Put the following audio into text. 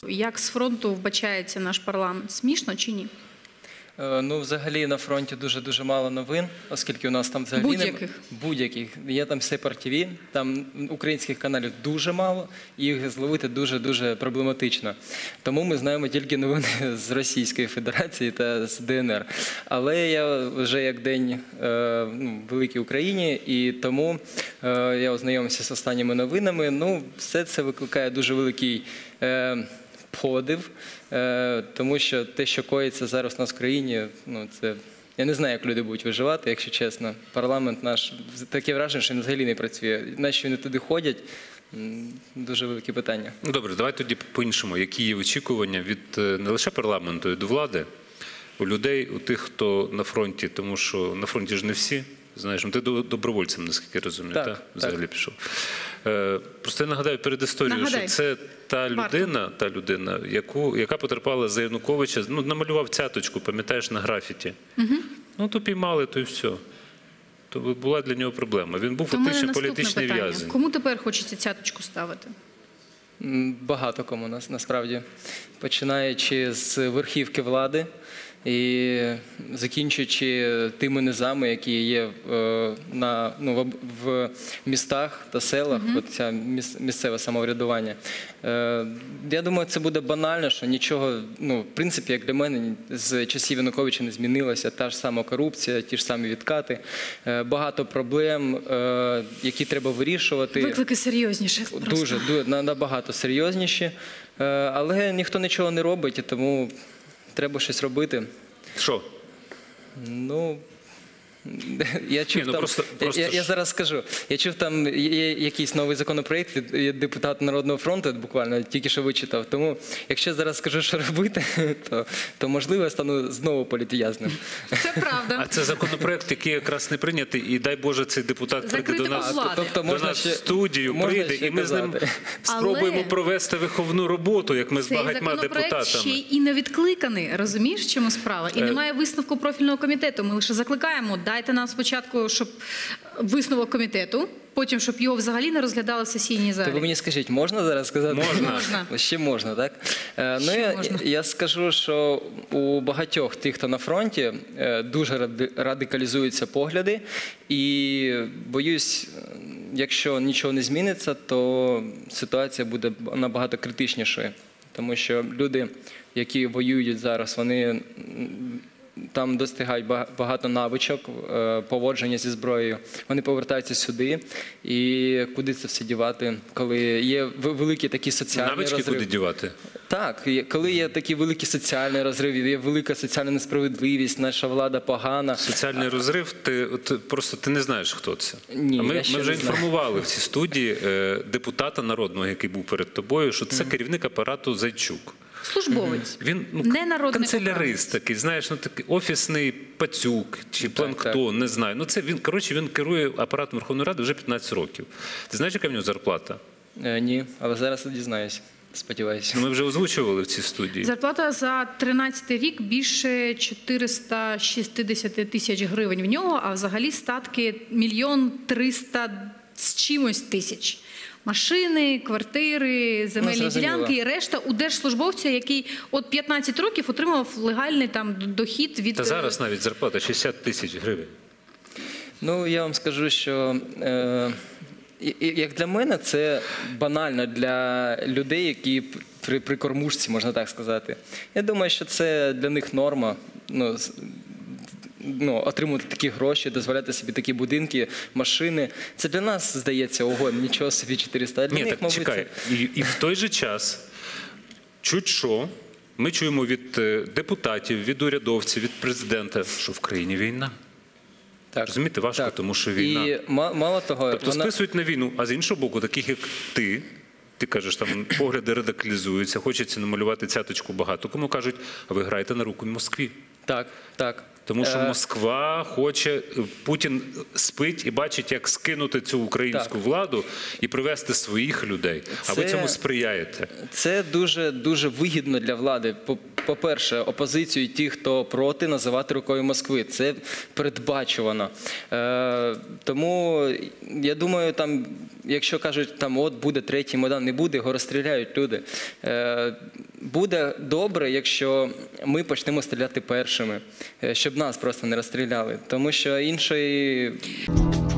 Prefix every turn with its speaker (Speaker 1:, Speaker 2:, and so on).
Speaker 1: Як з фронту вбачається наш парламент? Смішно чи ні?
Speaker 2: Ну, взагалі, на фронті дуже-дуже мало новин, оскільки у нас там взагалі...
Speaker 1: Будь-яких?
Speaker 2: Будь-яких. Є там Сепар ТВ, там українських каналів дуже мало, і їх зловити дуже-дуже проблематично. Тому ми знаємо тільки новини з Російської Федерації та з ДНР. Але я вже як день в великій Україні, і тому я ознайомився з останніми новинами. Ну, все це викликає дуже великий подив, тому що те, що коїться зараз у нас в країні, ну, це... Я не знаю, як люди будуть виживати, якщо чесно. Парламент наш, таке враження, що він взагалі не працює. Наші вони туди ходять, дуже велике питання.
Speaker 3: Ну, добре, давай тоді по-іншому. Які є очікування від не лише парламенту, і до влади, у людей, у тих, хто на фронті, тому що на фронті ж не всі. Знаєш, ти добровольцем, наскільки розумію, так? Взагалі пішов. Просто я нагадаю перед історією, що це та людина, яка потерпала за Януковича, ну, намалював цяточку, пам'ятаєш, на графіті. Ну, то піймали, то й все. То була для нього проблема. Він був фактично політичний в'язень.
Speaker 1: Кому тепер хочеться цяточку ставити?
Speaker 2: Багато кому нас, насправді. Починаючи з верхівки влади, і закінчуючи тими низами, які є в містах та селах, це місцеве самоврядування. Я думаю, це буде банально, що нічого, в принципі, як для мене, з часів Януковича не змінилося. Та ж сама корупція, ті ж самі відкати, багато проблем, які треба вирішувати.
Speaker 1: Виклики серйозніші.
Speaker 2: Дуже, набагато серйозніші, але ніхто нічого не робить, і тому... Треба щось робити.
Speaker 3: Що?
Speaker 2: Ну, я чув я зараз скажу. Я чув, там є якийсь новий законопроєкт від депутата Народного фронту, буквально тільки що вичитав. Тому, якщо я зараз скажу, що робити, то можливо, я стану знову політв'язним.
Speaker 1: Це правда.
Speaker 3: А це законопроєкт, який якраз не прийнятий, і дай Боже, цей депутат прийде до нас в студію, прийде, і ми з ним спробуємо провести виховну роботу, як ми з багатьма депутатами.
Speaker 1: Цей законопроєкт ще й не відкликаний, розумієш, в чому справа? І немає висновку профільного комітету. Ми лише закликаємо, дайте нам спочатку, щоб висновок комітету, потім, щоб його взагалі не розглядали в сесійній залі.
Speaker 2: То ви мені скажіть, можна зараз сказати?
Speaker 1: Можна.
Speaker 2: Ще можна, так? Я скажу, що у багатьох тих, хто на фронті, дуже радикалізуються погляди. І боюсь, якщо нічого не зміниться, то ситуація буде набагато критичнішою. Тому що люди, які воюють зараз, вони... Там достигають багато навичок, поводження зі зброєю. Вони повертаються сюди. І куди це все дівати, коли є великі такі соціальні розриви?
Speaker 3: Навички куди дівати?
Speaker 2: Так, коли є такі великі соціальні розриви, є велика соціальна несправедливість, наша влада погана.
Speaker 3: Соціальний розрив, просто ти не знаєш, хто це.
Speaker 2: Ні,
Speaker 3: ми вже інформували в цій студії депутата народного, який був перед тобою, що це керівник апарату Зайчук.
Speaker 1: Службовець,
Speaker 3: він канцелярист такий, знаєш, такий офісний пацюк чи планктон, не знаю. Ну це він керує апаратом Верховної Ради вже 15 років. Ти знаєш, яка в нього зарплата?
Speaker 2: Ні, але зараз дізнаюся. Сподіваюся.
Speaker 3: Ми вже озвучували в цій студії.
Speaker 1: Зарплата за 13-й рік більше 460 тисяч гривень в нього, а взагалі статки 1 300 000 з чимось тисяч. Машини, квартири, земельні ділянки і решта у держслужбовця, який от 15 років отримав легальний там дохід від...
Speaker 3: Та зараз навіть зарплата 60 тисяч гривень.
Speaker 2: Ну, я вам скажу, що як для мене це банально для людей, які при кормушці, можна так сказати. Я думаю, що це для них норма. Отримувати такі гроші, дозволяти собі такі будинки, машини. Це для нас, здається, ого, нічого собі 400.
Speaker 3: Ні, так чекай. І в той же час, чуть що, ми чуємо від депутатів, від урядовців, від президента, що в країні війна. Розумієте, важко, тому що війна.
Speaker 2: І мало того...
Speaker 3: Тобто списують на війну, а з іншого боку, таких як ти кажеш, там погляди радикалізуються, хочеться намалювати цяточку багато. Кому кажуть, а ви граєте на руку Москві.
Speaker 2: Так.
Speaker 3: Тому що Москва хоче, Путін спить і бачить, як скинути цю українську владу і привести своїх людей. А ви цьому сприяєте. Це
Speaker 2: дуже вигідно для влади. По-перше, опозицію і ті, хто проти, називати рукою Москви. Це передбачувано. Тому, я думаю, якщо кажуть, от буде третій Майдан, не буде, його розстріляють люди. буде добре, якщо ми почнемо стріляти першими, щоб нас просто не розстріляли. Тому що іншої